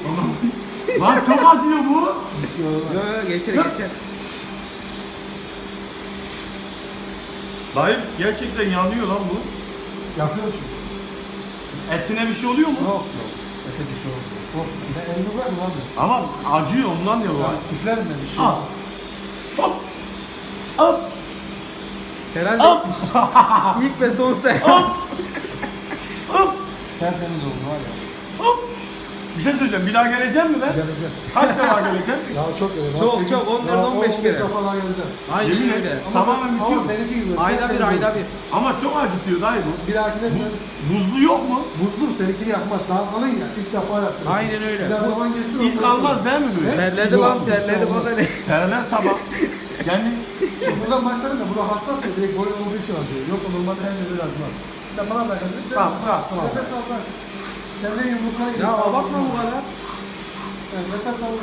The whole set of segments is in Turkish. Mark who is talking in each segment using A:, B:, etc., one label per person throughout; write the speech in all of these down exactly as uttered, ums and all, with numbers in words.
A: Lan çok acıyor bu.
B: Bir şey olmaz.
C: Yok yok geçer geçer.
A: Dayı gerçekten yanıyor lan bu.
B: Yapıyor çünkü.
A: Etine bir şey oluyor mu?
B: Yok yok. Ete bir şey olmuyor. Korkma. Ben elini bırakma abi.
A: Ama acıyor ondan ya bu.
B: Ya üflerim ben bir şey.
A: Al.
B: olmaz.
A: Hop. Hop.
C: Herhalde
A: Hop.
C: ilk ve son sen.
A: Hop. Hop.
B: Tertemiz oldu var ya.
A: Hop. Bir şey söyleyeceğim. Bir daha geleceğim mi ben?
B: Geleceğim.
A: Kaç defa geleceğim?
B: Ya çok öyle.
C: Çok, çok, on kere, on beş kere.
B: defa daha geleceğim.
C: Aynen
A: Yemin
C: öyle.
A: ederim. Tamamen bitiyor.
B: Ama benimki gibi.
C: Ayda bir
B: tertemiz
C: ayda
B: oldu.
C: bir.
A: Ama çok acıtıyor dayı bu.
B: Bir dahakine sen
A: Buzlu yok mu?
B: buzlu seninkini yapmaz. Daha kalın ya. İlk defa yaptım.
C: Aynen öyle.
B: Biraz zaman geçsin.
A: İz kalmaz değil mi böyle?
C: Terledi lan terledi bana ne?
A: Terler tamam. Yani
B: Şimdi buradan başlarım da bura hassas ya. Direkt boyun olduğu için acıyor. Yoksa normalde her yerde acımaz. Sen bana bırakın.
A: Tamam, tamam, tamam.
B: Nefes al bırak. Sen de yumruklar gibi.
C: Ya abartma bu kadar.
B: Yani nefes al.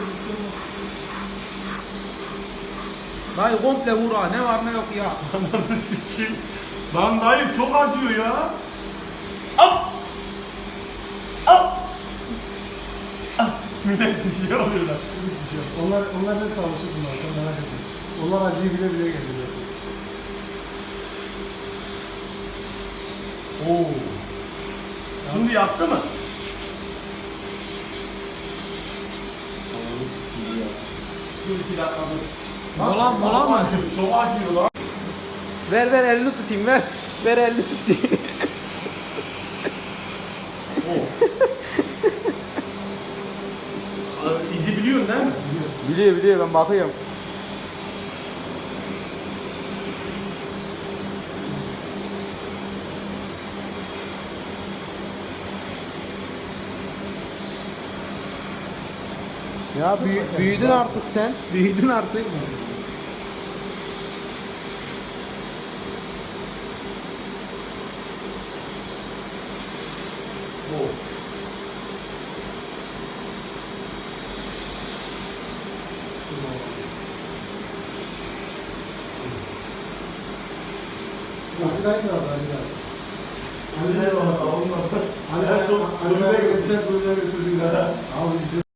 C: Dayı komple vur ha ne var ne yok ya.
A: ananı sikeyim. Lan dayı çok acıyor ya. Hop. Hop. Ah, millet bir şey oluyorlar.
B: Hiçbir şey yok. Onlar, onlar hep savaşır bunlar. Sen merak etme. Onlar acıyı bile bile geliyor.
A: Oo. Şimdi yaktı mı? Dur iki dakika dur.
C: Mola mola
A: Çok
C: mı?
A: acıyor, çok acıyor lan.
C: Ver ver elini tutayım ver. Ver elini tutayım.
A: Oo. Abi, İzi biliyorsun değil mi?
C: Biliyor biliyor ben bakıyorum. Ya büyü, büyüdün artık sen. Büyüdün artık.
A: Oo.
B: Acılar mı var? Acılar.
A: Hadi eyvallah.
B: Hani ben son, hani ben geçen bölümde götürdüm ya. Abi